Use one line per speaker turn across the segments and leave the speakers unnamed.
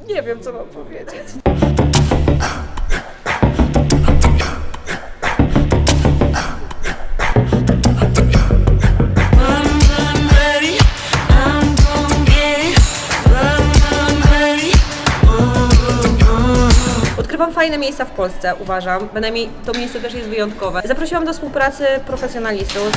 Nie wiem, co mam powiedzieć. Odkrywam fajne miejsca w Polsce, uważam. Bynajmniej to miejsce też jest wyjątkowe. Zaprosiłam do współpracy profesjonalistów.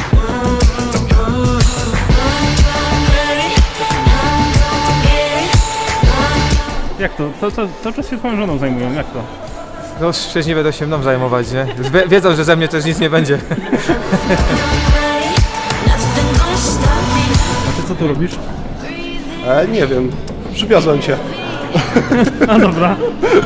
Jak to? Cały czas się twoją żoną zajmują, jak to?
No już przecież nie będą się mną zajmować, nie? Już wiedzą, że ze mnie też nic nie będzie.
A ty co tu robisz?
Nie wiem, przywiozłem cię.
A dobra.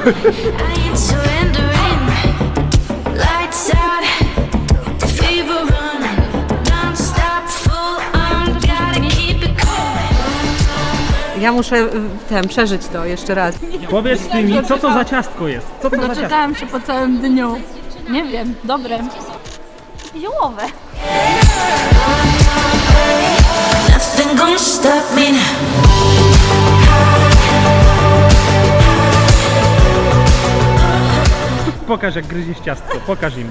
Ja muszę przeżyć to jeszcze raz.
Powiedz ty mi, co to za ciastko jest? Co to za ciastko?
Doczytałam się po całym dniu. Nie wiem, dobre. Ziołowe.
Nothing gonna stop me now.
Pokaż jak gryziesz ciastko, pokaż im.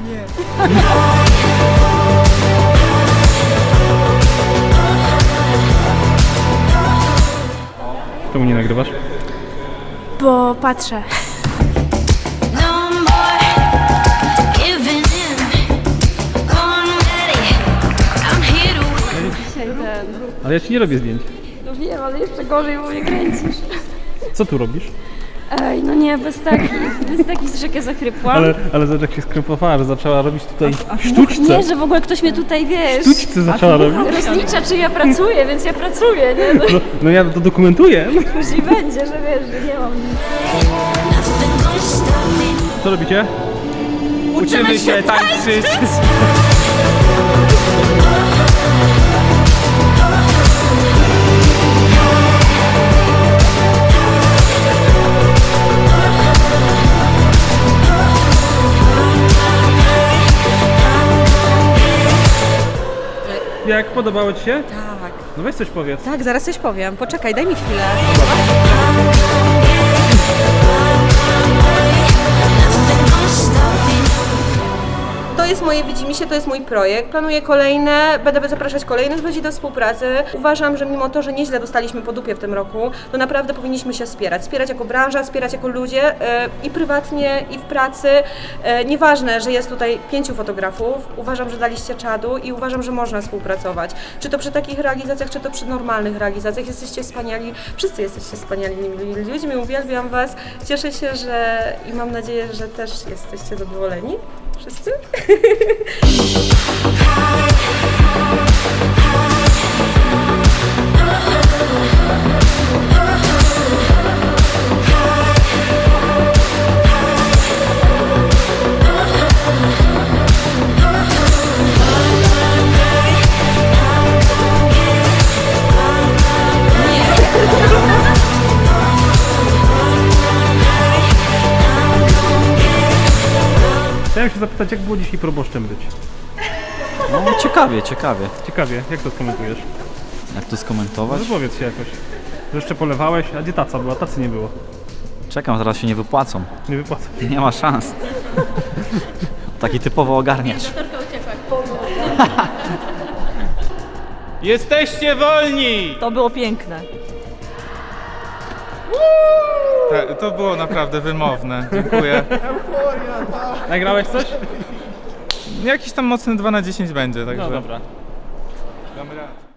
Czemu nie nagrywasz?
Bo patrzę.
No more giving in. Born ready. I'm here to win.
Ale ja ci nie robię zdjęć.
No wiem, ale jeszcze gorzej, bo mnie kręcisz.
Co tu robisz?
Ej, no nie, bez takich rzekę zachrypłam.
Ale zobacz jak się skrępowała, że zaczęła robić tutaj sztuczce.
Nie, że w ogóle ktoś mnie tutaj, wiesz,
Sztuczce zaczęła robić.
rozlicza, czy ja pracuję, więc ja pracuję, nie?
No ja to dokumentuję.
Później będzie, że wiesz, że nie mam nic.
Nothing gonna stop me.
Co robicie?
Uczymy się tańczyć.
Jak podobało ci się?
Tak.
No weź coś powiedz.
Tak, zaraz coś powiem. Poczekaj, daj mi chwilę.
Nothing gonna stop me.
To jest moje widzimisię, to jest mój projekt. Planuję kolejne, będę zapraszać kolejnych ludzi do współpracy. Uważam, że mimo to, że nieźle dostaliśmy po dupie w tym roku, to naprawdę powinniśmy się wspierać. Wspierać jako branża, wspierać jako ludzie i prywatnie, i w pracy. Nieważne, że jest tutaj 5 fotografów. Uważam, że daliście czadu i uważam, że można współpracować. Czy to przy takich realizacjach, czy to przy normalnych realizacjach. Jesteście wspaniali, wszyscy jesteście wspaniałymi ludźmi, uwielbiam Was. Cieszę się, że i mam nadzieję, że też jesteście zadowoleni. Wszyscy?
Chciałem się zapytać, jak było dzisiaj proboszczem być?
No ciekawie, ciekawie.
Ciekawie, jak to skomentujesz?
Jak to
No
skomentować?
wypowiedz się jakoś. Że jeszcze polewałeś, a gdzie taca była? Tacy nie było.
Czekam, zaraz się nie wypłacą.
Nie wypłacę.
Nie ma szans. Taki typowo ogarniacz.
Jesteście wolni!
To było piękne.
To było naprawdę wymowne. Dziękuję.
Nagrałeś coś?
Jakiś tam mocny 2 na 10 będzie, także.
No dobra.
Damy radę.